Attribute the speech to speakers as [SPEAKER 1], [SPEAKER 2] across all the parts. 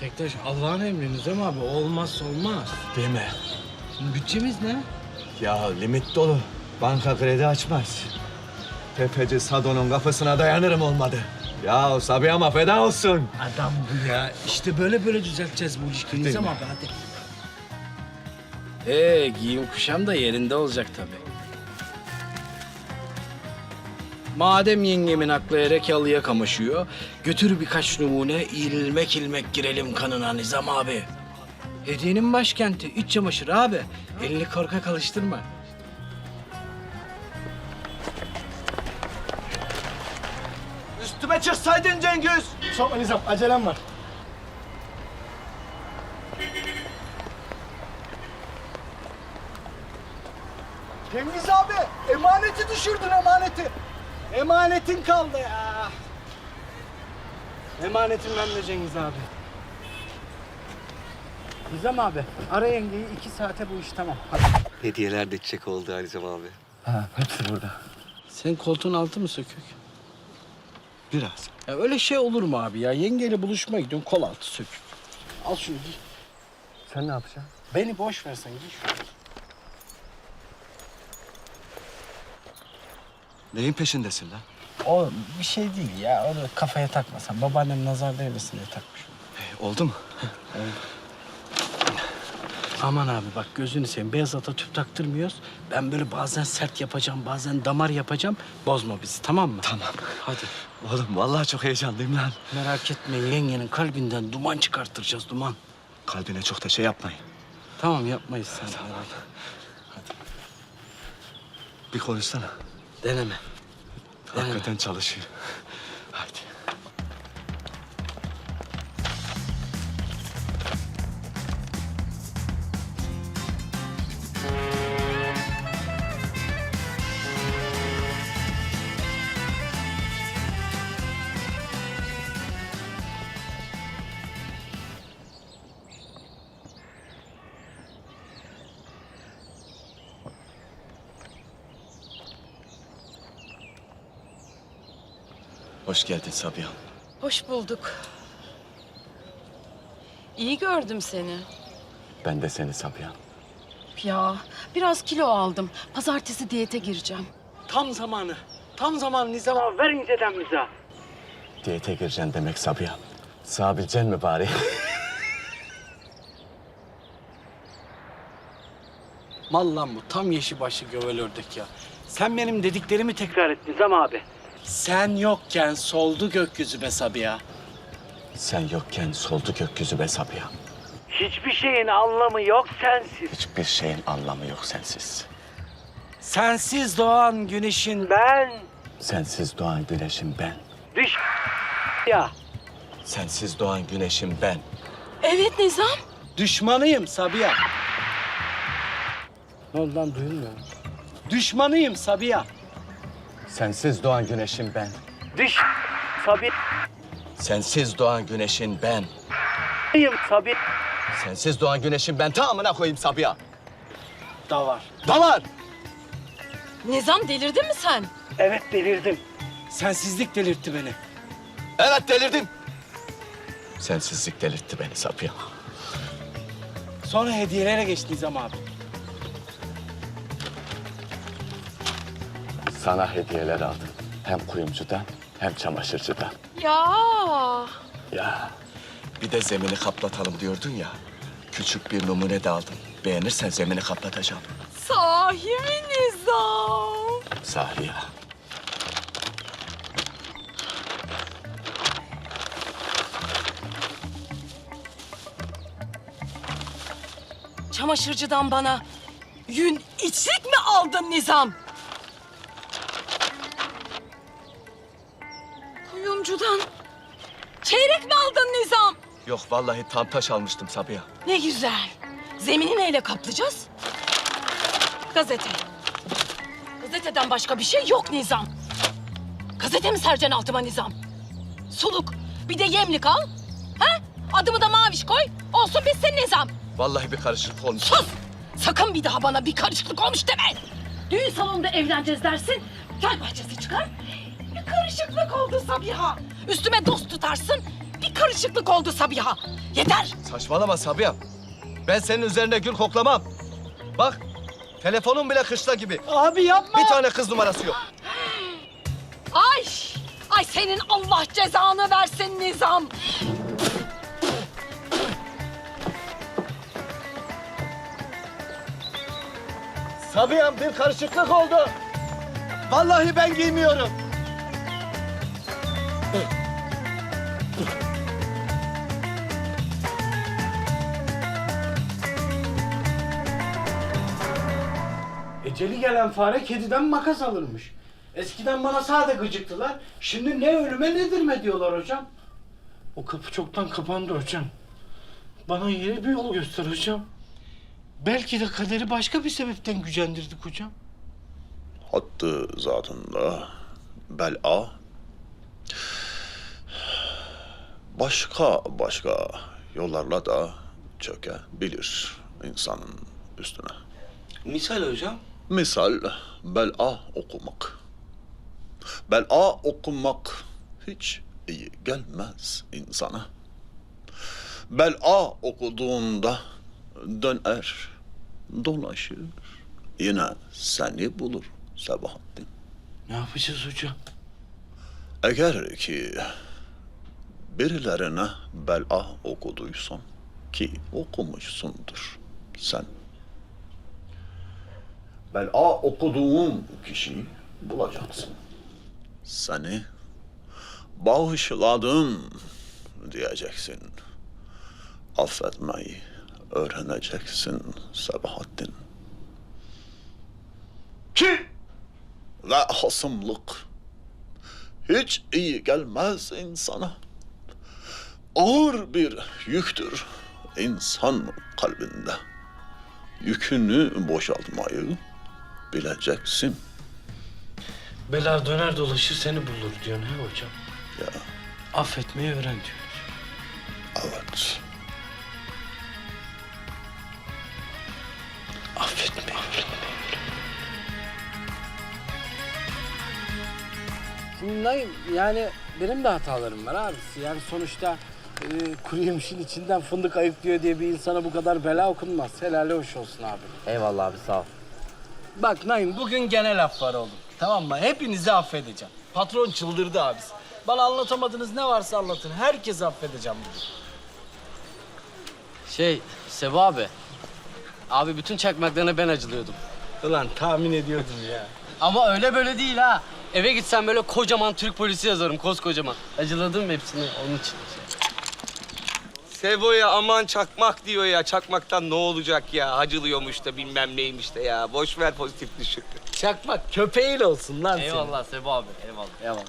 [SPEAKER 1] Tektaş Allah'ın emri Nizam abi. Olmazsa olmaz.
[SPEAKER 2] Değil mi?
[SPEAKER 1] Şimdi bütçemiz ne?
[SPEAKER 2] Ya limit dolu. Banka kredi açmaz. Tefeci Sado'nun kafasına dayanırım olmadı. Ya Sabiha'ma feda olsun.
[SPEAKER 1] Adam bu ya. İşte böyle düzelteceğiz bu ilişkiyi Nizam abi hadi. Giyim kuşam da yerinde olacak tabii. Madem yengemin aklı Erekalı'ya kamaşıyor, götür birkaç numune, ilmek ilmek girelim kanına Nizam abi. Hediyenin başkenti, iç çamaşırı abi. Elini korkak alıştırma.
[SPEAKER 2] Üstüme çıksaydın Cengiz.
[SPEAKER 3] Sokma Nizam, acelem var. Cengiz abi, emaneti düşürdün emaneti. Emanetin kaldı ya.
[SPEAKER 1] Emanetim bende Cengiz abi. Nizam abi, ara yengeyi 2 saate bu iş tamam. Hadi.
[SPEAKER 2] Hediyeler de çiçek oldu Alizem abi.
[SPEAKER 3] Ha, hepsi burada.
[SPEAKER 1] Senin koltuğun altı mı sökük?
[SPEAKER 2] Biraz.
[SPEAKER 1] Ya öyle şey olur mu abi ya? Yengeyle buluşmaya gidiyorsun, kol altı sökük. Al şunu giy.
[SPEAKER 3] Sen ne yapacaksın?
[SPEAKER 1] Beni boş versen giy şunu.
[SPEAKER 2] Neyin peşindesin lan?
[SPEAKER 1] O bir şey değil ya. Onu kafaya takmasan. Babaannem nazar değmesin diye takmış.
[SPEAKER 2] Oldu mu?
[SPEAKER 1] Aman abi bak gözünü seveyim. Beyaz ata tüp taktırmıyoruz. Ben böyle bazen sert yapacağım, bazen damar yapacağım. Bozma bizi tamam mı?
[SPEAKER 2] Tamam.
[SPEAKER 1] Hadi.
[SPEAKER 2] Oğlum vallahi çok heyecanlıyım lan.
[SPEAKER 1] Merak etme yengenin kalbinden duman çıkarttıracağız duman.
[SPEAKER 2] Kalbine çok da şey yapmayın.
[SPEAKER 1] Tamam yapmayız sen. Tamam.
[SPEAKER 2] Bir konuşsana.
[SPEAKER 1] Deneme.
[SPEAKER 2] Hakikaten çalışıyor. Hadi. Hoş geldin Sabiha.
[SPEAKER 4] Hoş bulduk. İyi gördüm seni.
[SPEAKER 2] Ben de seni Sabiha.
[SPEAKER 4] Ya biraz kilo aldım. Pazartesi diyete gireceğim.
[SPEAKER 1] Tam zamanı. Tam zamanı Nizam abi. Ver inceden bize.
[SPEAKER 2] Diyete gireceksin demek Sabiha. Sığabileceksin mi bari?
[SPEAKER 1] Mal lan bu. Tam yeşil başlı gövel ördek ya. Sen benim dediklerimi tekrar et Nizam abi. Sen yokken soldu gökyüzü be Sabiha.
[SPEAKER 2] Sen yokken soldu gökyüzü be Sabiha.
[SPEAKER 1] Hiçbir şeyin anlamı yok sensiz.
[SPEAKER 2] Hiçbir şeyin anlamı yok sensiz.
[SPEAKER 1] Sensiz doğan güneşin ben.
[SPEAKER 2] Sensiz doğan güneşim ben.
[SPEAKER 1] Düş ya.
[SPEAKER 2] Sensiz doğan güneşim ben.
[SPEAKER 4] Evet Nizam.
[SPEAKER 1] Düşmanıyım Sabiha. Ne oldu lan duyulmuyor mu? Düşmanıyım Sabiha.
[SPEAKER 2] Sensiz doğan güneşim ben.
[SPEAKER 1] Düş Sabiha.
[SPEAKER 2] Sensiz doğan güneşin ben.
[SPEAKER 1] Sabiha.
[SPEAKER 2] Sensiz doğan güneşim ben. Tamamına koyayım Sabiha.
[SPEAKER 1] Da var.
[SPEAKER 2] Da var.
[SPEAKER 4] Nizam delirdin mi sen?
[SPEAKER 1] Evet delirdim. Sensizlik delirtti beni.
[SPEAKER 2] Evet delirdim. Sensizlik delirtti beni Sabiha.
[SPEAKER 1] Sonra hediyelere geçti Nizam abi.
[SPEAKER 2] Sana hediyeler aldım. Hem kuyumcudan hem çamaşırcıdan.
[SPEAKER 4] Ya.
[SPEAKER 2] Ya bir de zemini kaplatalım diyordun ya. Küçük bir numune de aldım. Beğenirsen zemini kaplatacağım.
[SPEAKER 4] Sahi mi Nizam?
[SPEAKER 2] Sahi ya.
[SPEAKER 4] Çamaşırcıdan bana yün içlik mi aldın Nizam? Kuyumcudan çeyrek mi aldın Nizam?
[SPEAKER 2] Yok vallahi tam taş almıştım Sabiha.
[SPEAKER 4] Ne güzel. Zemini neyle kaplayacağız? Gazete. Gazeteden başka bir şey yok Nizam. Gazete mi sereceksin altıma Nizam? Suluk. Bir de yemlik al. Ha? Adımı da Maviş koy. Olsun bitsin Nizam.
[SPEAKER 2] Vallahi bir karışıklık olmuş.
[SPEAKER 4] Sus! Sakın bir daha bana bir karışıklık olmuş deme. Düğün salonunda evleneceğiz dersin. Gel bahçesi çıkar. Bir karışıklık oldu Sabiha. Üstüme dost tutarsın. bir karışıklık oldu Sabiha. Yeter.
[SPEAKER 2] Saçmalama Sabiha. Ben senin üzerine gül koklamam. Bak, telefonun bile kışla gibi.
[SPEAKER 1] Abi yapma.
[SPEAKER 2] Bir tane kız numarası yok.
[SPEAKER 4] Ay! Ay senin Allah cezanı versin Nizam.
[SPEAKER 2] Sabiha'm bir karışıklık oldu. Vallahi ben giymiyorum.
[SPEAKER 1] Eceli gelen fare kediden makas alırmış. Eskiden bana sade gıcıktılar. Şimdi ne ölüme ne dirime diyorlar hocam. O kapı çoktan kapandı hocam. Bana yeni bir yol göster hocam. Belki de kaderi başka bir sebepten gücendirdik hocam.
[SPEAKER 5] Hattı zatında bel'a başka yollarla da çökebilir insanın üstüne.
[SPEAKER 6] Misal hocam.
[SPEAKER 5] Misal bel'a okumak. Bel'a okumak hiç iyi gelmez insana. Bel'a okuduğunda döner, dolaşır, yine seni bulur Sabahattin.
[SPEAKER 1] Ne yapacağız hocam?
[SPEAKER 5] Eğer ki birilerine bel'a okuduysan ki okumuşsundur sen. Bel'a okuduğun kişiyi bulacaksın. Seni bağışladım diyeceksin. Affetmeyi öğreneceksin Sabahattin. Ki ve hasımlık hiç iyi gelmez insana. Ağır bir yüktür insan kalbinde. Yükünü boşaltmayı bileceksin.
[SPEAKER 1] Bela döner dolaşır seni bulur diyor ne hocam?
[SPEAKER 5] Ya
[SPEAKER 1] Affetmeyi öğren diyor.
[SPEAKER 5] evet.
[SPEAKER 1] Affetmeyi öğren.
[SPEAKER 7] Şimdi Naim, yani benim de hatalarım var abisi. Yani sonuçta kuru yemişin içinden fındık ayıklıyor diye bir insana bu kadar bela okunmaz. Helali hoş olsun abi.
[SPEAKER 3] Eyvallah abi sağ ol.
[SPEAKER 7] Bak Naim, bugün gene laf var oğlum. Tamam mı? Hepinizi affedeceğim. Patron çıldırdı abisi. Bana anlatamadığınız ne varsa anlatın. Herkesi affedeceğim bugün.
[SPEAKER 3] Sebu abi. Abi bütün çakmaklarına ben acılıyordum.
[SPEAKER 7] Ulan tahmin ediyordum ya.
[SPEAKER 3] Ama öyle böyle değil ha. Eve gitsem böyle kocaman Türk polisi yazarım, koskocaman. Acıladım hepsini onun için.
[SPEAKER 6] Sebo'ya aman çakmak diyor ya. Çakmaktan ne olacak ya? Hacılıyormuş da bilmem neymiş de ya. Boş ver pozitif düşün.
[SPEAKER 7] Çakmak köpeğiyle olsun lan senin.
[SPEAKER 3] Eyvallah Sebu abi, eyvallah. Eyvallah.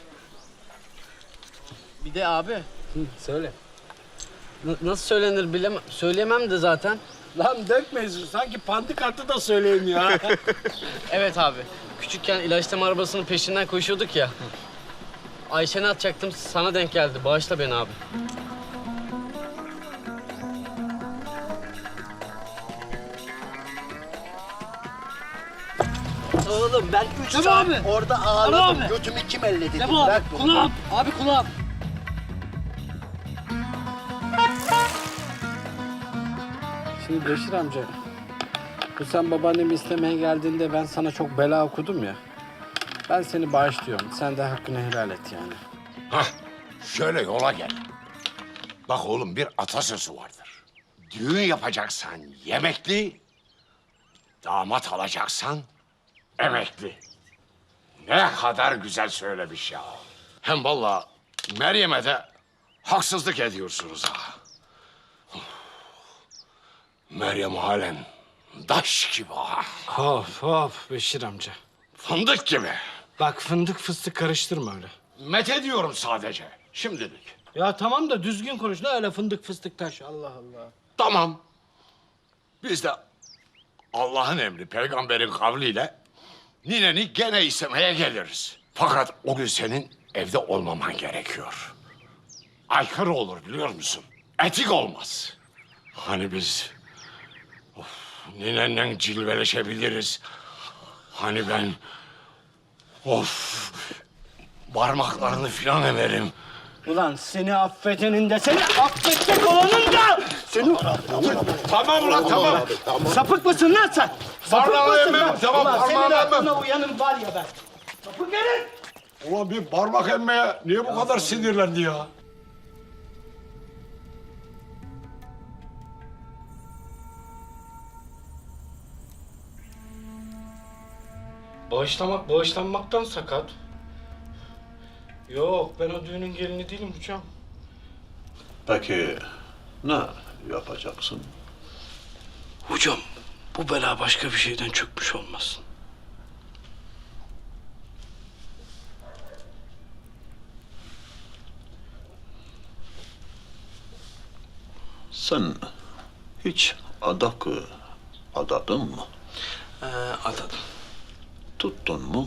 [SPEAKER 3] Bir de abi,
[SPEAKER 7] Söyle.
[SPEAKER 3] nasıl söylenir bilemem, söyleyemem de zaten.
[SPEAKER 7] Lan dökme yüzünü. Sanki pandikartı da söyleyeyim ya.
[SPEAKER 3] Evet abi, küçükken ilaçlama arabasının peşinden koşuyorduk ya. Ayşen'i atacaktım, sana denk geldi. Bağışla beni abi.
[SPEAKER 8] Oğlum ben 3
[SPEAKER 7] Tabii
[SPEAKER 8] saat
[SPEAKER 7] abi.
[SPEAKER 8] orada
[SPEAKER 7] Tabii
[SPEAKER 8] ağladım.
[SPEAKER 7] abi.
[SPEAKER 8] Götümü kim elledi?
[SPEAKER 7] Sebu abi,
[SPEAKER 8] Bırak bunu.
[SPEAKER 7] kulağım. Abi kulağım. Şimdi Beşir amca, bu sen babaannemi istemeye geldiğinde ben sana çok bela okudum ya. Ben seni bağışlıyorum. Sen de hakkını helal et yani.
[SPEAKER 9] Hah, şöyle yola gel. Bak oğlum bir atasözü vardır. Düğün yapacaksan yemekli, damat alacaksan emekli. Ne kadar güzel söylemiş ya. Hem vallahi Meryem'e de haksızlık ediyorsunuz ha. Meryem halen taş gibi ha.
[SPEAKER 1] Hop hop Beşir amca.
[SPEAKER 9] Fındık gibi.
[SPEAKER 1] Bak fındık fıstık karıştırma öyle.
[SPEAKER 9] Met ediyorum sadece şimdilik.
[SPEAKER 1] Ya tamam da düzgün konuş. Ne öyle fındık fıstık taş. Allah Allah.
[SPEAKER 9] Tamam. Biz de Allah'ın emri, peygamberin kavliyle nineni gene istemeye geliriz. Fakat o gün senin evde olmaman gerekiyor. Aykırı olur biliyor musun? Etik olmaz. Hani biz ninenle cilveleşebiliriz. Hani ben parmaklarını filan emerim.
[SPEAKER 8] Ulan seni affedenin de seni affedecek olanın da! Seni...
[SPEAKER 9] Tamam lan tamam.
[SPEAKER 8] Sapık mısın lan sen? Sapık
[SPEAKER 9] Parmağımı
[SPEAKER 8] mısın
[SPEAKER 9] emmem,
[SPEAKER 8] lan?
[SPEAKER 9] tamam,
[SPEAKER 8] Ulan senin
[SPEAKER 9] parmağımı emmem.
[SPEAKER 8] aklına uyanın var ya ben. Sapık herif!
[SPEAKER 9] Ulan bir parmak emmeye niye bu kadar sinirlendi ya?
[SPEAKER 1] Bağışlamak bağışlanmaktan sakat. Yok, ben o düğünün gelini değilim hocam.
[SPEAKER 5] Peki ne yapacaksın?
[SPEAKER 1] Hocam, bu bela başka bir şeyden çökmüş olmasın.
[SPEAKER 5] Sen hiç adak adadın mı?
[SPEAKER 1] Atadım.
[SPEAKER 5] Tuttun mu?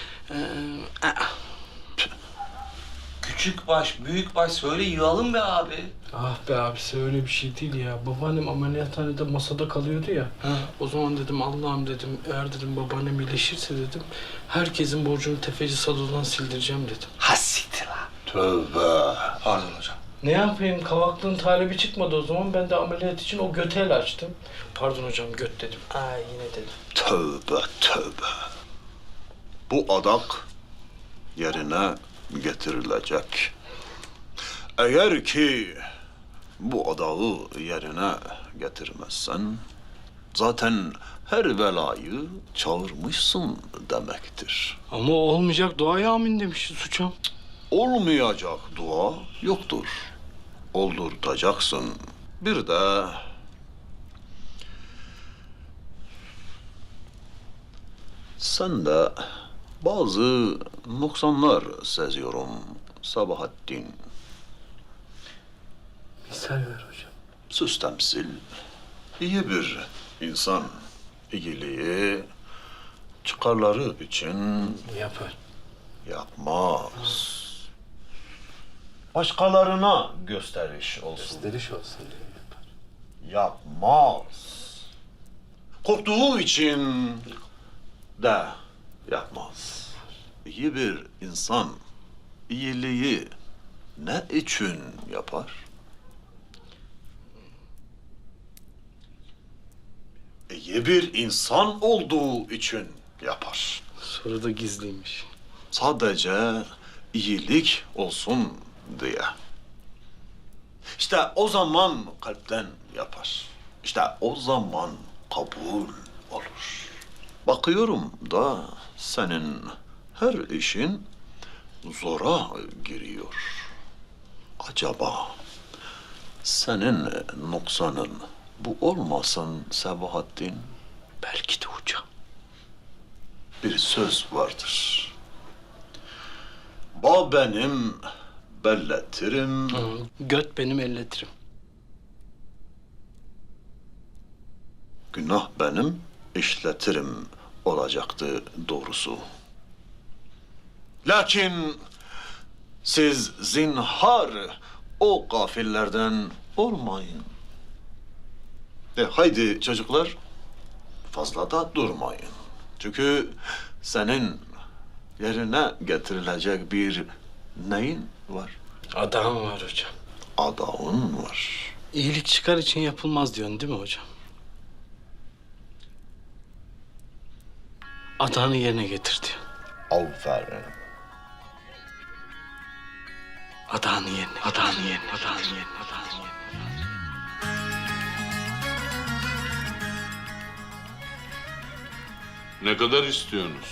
[SPEAKER 6] Küçük baş, büyük baş söyle yığalım be abi.
[SPEAKER 1] Ah be abisi öyle bir şey değil ya. Babaannem ameliyathanede masada kalıyordu ya. O zaman dedim Allah'ım dedim eğer dedim babaannem iyileşirse dedim herkesin borcunu tefeci Sado'dan sildireceğim dedim.
[SPEAKER 6] Hassiktir lan.
[SPEAKER 5] Tövbe.
[SPEAKER 6] Pardon hocam.
[SPEAKER 1] Ne yapayım kavaklığın talebi çıkmadı o zaman ben de ameliyat için o göte el açtım. Pardon hocam göt dedim. Ay yine dedim.
[SPEAKER 5] Tövbe tövbe. Bu adak yerine getirilecek. Eğer ki bu adağı yerine getirmezsen zaten her belayı çağırmışsın demektir.
[SPEAKER 1] Ama olmayacak duaya amin demişiz hocam.
[SPEAKER 5] Olmayacak dua yoktur. Oldurtacaksın. Bir de sen de bazı noksanlar seziyorum Sabahattin.
[SPEAKER 1] Misal ver hocam.
[SPEAKER 5] Süs temsil, iyi bir insan iyiliği çıkarları için
[SPEAKER 1] Yapar.
[SPEAKER 5] yapmaz. Başkalarına gösteriş olsun.
[SPEAKER 1] Deliş olsun diye yapar.
[SPEAKER 5] Yapmaz. Korktuğu için de yapmaz. İyi bir insan iyiliği ne için yapar? İyi bir insan olduğu için yapar.
[SPEAKER 1] Soru da gizliymiş.
[SPEAKER 5] Sadece iyilik olsun diye. İşte o zaman kalpten yapar. İşte o zaman kabul olur. Bakıyorum da senin her işin zora giriyor. Acaba senin noksanın bu olmasın Sabahattin?
[SPEAKER 1] Belki de hocam.
[SPEAKER 5] Bir söz vardır. Ba benim belletirim.
[SPEAKER 1] Göt benim elletirim.
[SPEAKER 5] Günah benim işletirim olacaktı doğrusu. Lakin siz zinhar o gafillerden olmayın. Haydi çocuklar fazla da durmayın. Çünkü senin yerine getirilecek bir neyin var?
[SPEAKER 1] Adam var hocam.
[SPEAKER 5] Adağın var.
[SPEAKER 1] İyilik çıkar için yapılmaz diyorsun değil mi hocam? Adağını yerine getir diyor.
[SPEAKER 5] Aferin.
[SPEAKER 1] Adağını yerine, adağını yerine, adağını yerine, adağını yerine.
[SPEAKER 10] Ne kadar istiyorsunuz?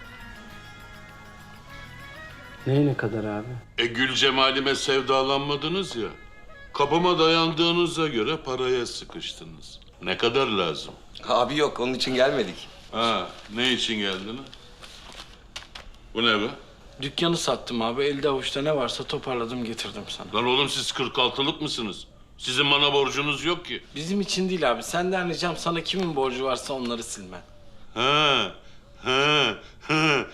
[SPEAKER 7] Neyine kadar abi?
[SPEAKER 10] Gül cemalime sevdalanmadınız ya. Kapıma dayandığınıza göre paraya sıkıştınız. Ne kadar lazım?
[SPEAKER 6] Abi yok onun için gelmedik.
[SPEAKER 10] Ha, ne için geldiniz? Bu ne be?
[SPEAKER 1] Dükkanı sattım abi. Elde avuçta ne varsa toparladım getirdim sana.
[SPEAKER 10] Lan oğlum siz 46'lık mısınız? Sizin bana borcunuz yok ki.
[SPEAKER 1] Bizim için değil abi. Senden ricam sana kimin borcu varsa onları silmen.
[SPEAKER 10] Ha, ha, ha,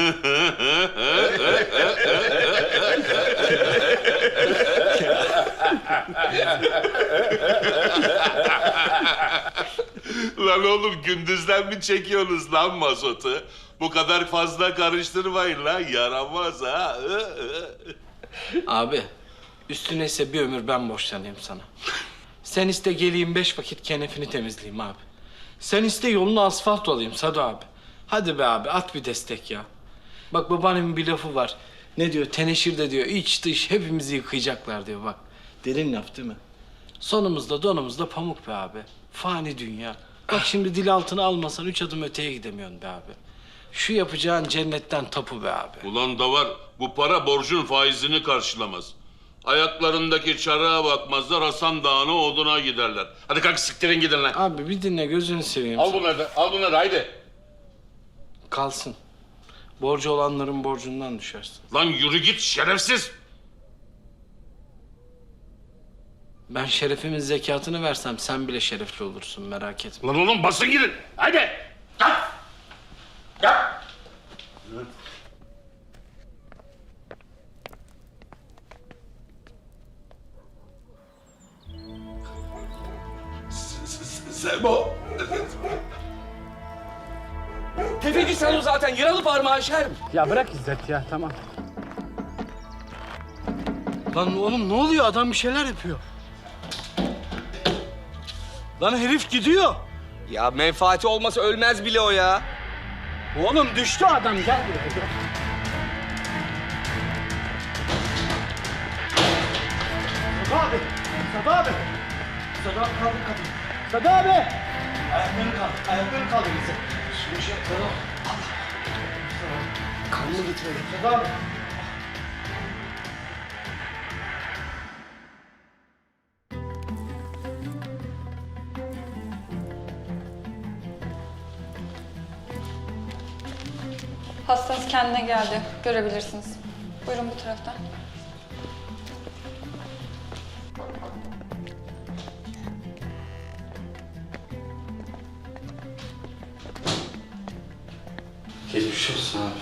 [SPEAKER 10] Lan oğlum gündüzden mi çekiyorsunuz lan mazotu? Bu kadar fazla karıştırmayın lan yaramaz ha.
[SPEAKER 1] Abi Üstüne ise bir ömür ben borçlanayım sana. Sen iste geleyim 5 vakit kenefini temizleyeyim abi. Sen iste yolunu asfalt olayım Sado abi. Hadi be abi at bir destek ya. Bak babaannemin bir lafı var. Ne diyor? Teneşirde diyor iç dış hepimizi yıkayacaklar diyor bak. Derin laf değil mi? Sonumuzda donumuzda pamuk be abi. Fani dünya. Bak şimdi dil altına almasan 3 adım öteye gidemiyorsun be abi. Şu yapacağın cennetten tapu be abi.
[SPEAKER 10] Ulan da var, bu para borcun faizini karşılamaz. Ayaklarındaki çarığa bakmazlar, Hasan Dağı'na oduna giderler. Hadi kalk siktirin gidin lan.
[SPEAKER 1] Abi bir dinle gözünü seveyim.
[SPEAKER 10] Al bunları da, al bunları haydi.
[SPEAKER 1] Kalsın. Borcu olanların borcundan düşersin.
[SPEAKER 10] Lan yürü git şerefsiz.
[SPEAKER 1] Ben şerefimin zekatını versem sen bile şerefli olursun merak etme.
[SPEAKER 10] Lan oğlum basın gidin. Haydi. Kalk. Kalk.
[SPEAKER 9] Sebo.
[SPEAKER 6] Tefeci sen o zaten yaralı parmağı şer.
[SPEAKER 7] Ya bırak İzzet ya tamam.
[SPEAKER 1] Lan oğlum ne oluyor? Adam bir şeyler yapıyor. Lan herif gidiyor.
[SPEAKER 6] Ya menfaati olmasa ölmez bile o ya.
[SPEAKER 1] Oğlum düştü adam gel buraya.
[SPEAKER 8] Sadı abi. Sadı abi. Sadı abi kaldır kapıyı. Sadı abi. Ayakların kaldır. Ayakların kaldır bize. Şunu şey Sadı abi. Kanlı gitmedi. Sadı abi.
[SPEAKER 11] Hastanız kendine geldi. Görebilirsiniz. Buyurun bu taraftan.
[SPEAKER 1] Geçmiş olsun abi.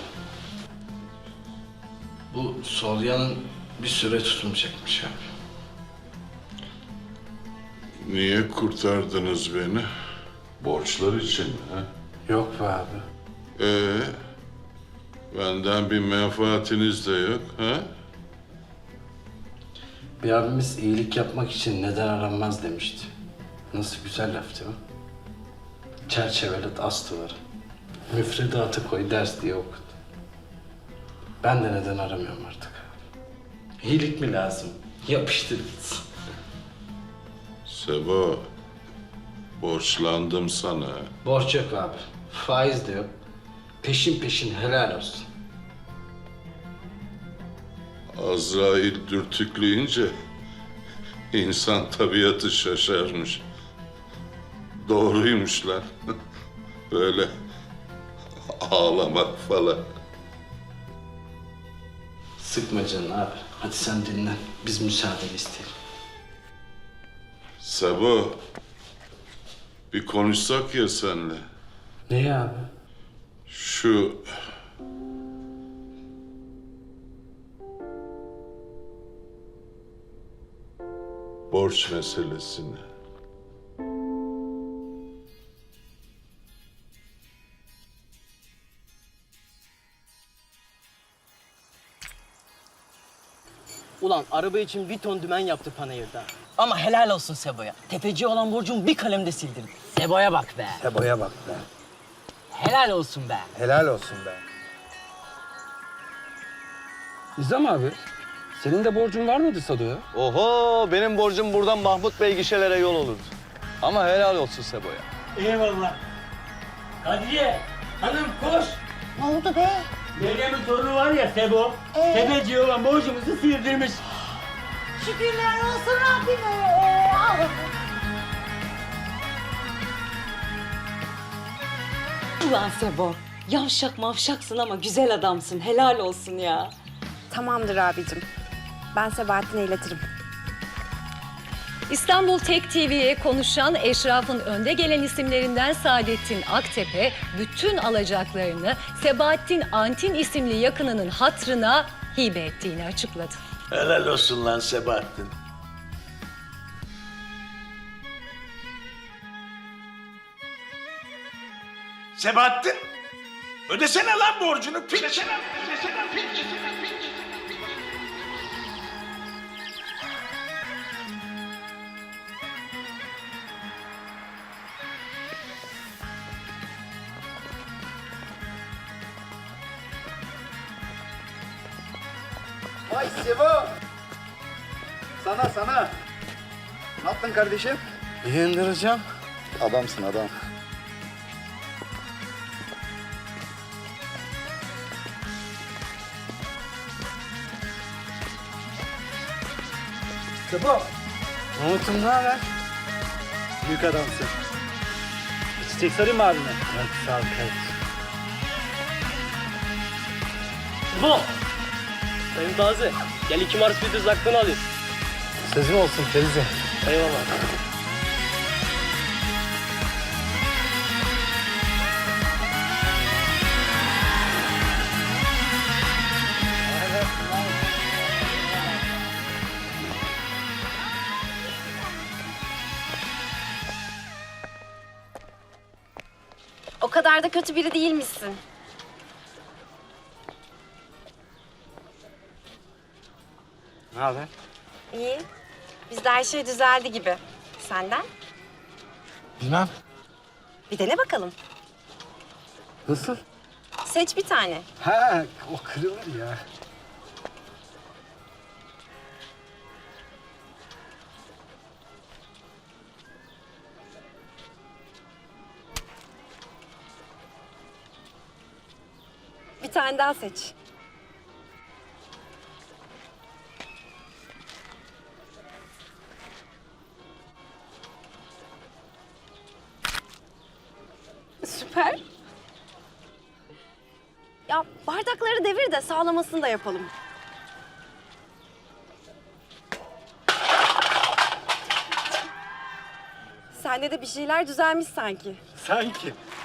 [SPEAKER 1] Bu Solya'nın bir süre tutunacakmış abi.
[SPEAKER 10] Niye kurtardınız beni? Borçlar için mi? Ha?
[SPEAKER 7] Yok be abi.
[SPEAKER 10] Benden bir menfaatiniz de yok. Ha?
[SPEAKER 7] Bir abimiz iyilik yapmak için neden aranmaz demişti. Nasıl güzel laf değil mi? Çerçevelet as duvara. Müfredatı koy ders diye okut. Ben de neden aramıyorum artık abi. İyilik mi lazım? Yapıştır gitsin.
[SPEAKER 10] Sebo, borçlandım sana.
[SPEAKER 1] Borç yok abi. Faiz de yok. Peşin peşin helal olsun.
[SPEAKER 10] Azrail dürtükleyince insan tabiatı şaşarmış. Doğruymuş lan. Böyle ağlamak falan.
[SPEAKER 1] Sıkma canını abi. Hadi sen dinlen. Biz müsaade isteyelim.
[SPEAKER 10] Sebo, bir konuşsak ya senle.
[SPEAKER 7] Ne abi?
[SPEAKER 10] Şu borç meselesini.
[SPEAKER 8] Ulan araba için bir ton dümen yaptı panayırda. Ama helal olsun Sebo'ya. Tefeci olan borcumu bir kalemde sildirdi. Sebo'ya bak be.
[SPEAKER 2] Sebo'ya bak be.
[SPEAKER 8] Helal olsun be.
[SPEAKER 2] Helal olsun be.
[SPEAKER 7] Nizam abi, senin de borcun var mıydı Sado'ya?
[SPEAKER 2] Oho, benim borcum buradan Mahmut Bey gişelere yol olurdu. Ama helal olsun Sebo'ya.
[SPEAKER 8] Eyvallah. Kadriye, hanım koş.
[SPEAKER 12] Ne oldu be?
[SPEAKER 8] Meryem'in torunu var ya Sebo. Tefeci olan borcumuzu sildirmiş.
[SPEAKER 12] Şükürler olsun Rabbime.
[SPEAKER 4] Ulan Sebo, yavşak mavşaksın ama güzel adamsın. Helal olsun ya.
[SPEAKER 12] Tamamdır abicim. Ben Sebahattin'e iletirim.
[SPEAKER 11] İstanbul Tek TV'ye konuşan eşrafın önde gelen isimlerinden Saadettin Aktepe bütün alacaklarını Sebahattin Antin isimli yakınının hatırına hibe ettiğini açıkladı.
[SPEAKER 9] Helal olsun lan Sebahattin. Sebahattin, ödesene lan borcunu. Piç.
[SPEAKER 8] Vay Sevo. Sana. Ne yaptın kardeşim?
[SPEAKER 7] İyi indireceğim.
[SPEAKER 8] Adamsın adam. Sevo.
[SPEAKER 7] Umut'um ne haber?
[SPEAKER 8] Büyük adamsın. Çiçek sarayım mı abime?
[SPEAKER 7] Evet, sağ ol kardeşim.
[SPEAKER 3] Bu. Sayın Taze. Gel 2 Mars bir düz aklını alayım.
[SPEAKER 7] Sözüm olsun teyze.
[SPEAKER 3] Eyvallah.
[SPEAKER 12] O kadar da kötü biri değilmişsin.
[SPEAKER 7] Ne haber?
[SPEAKER 12] İyi. Bizde her şey düzeldi gibi. Senden?
[SPEAKER 7] Bilmem.
[SPEAKER 12] Bir dene bakalım.
[SPEAKER 7] Nasıl?
[SPEAKER 12] Seç bir tane.
[SPEAKER 7] Ha, o kırılır ya.
[SPEAKER 12] Bir tane daha seç. Süper. Ya bardakları devir de sağlamasını da yapalım. Sende de bir şeyler düzelmiş sanki.
[SPEAKER 7] Sanki.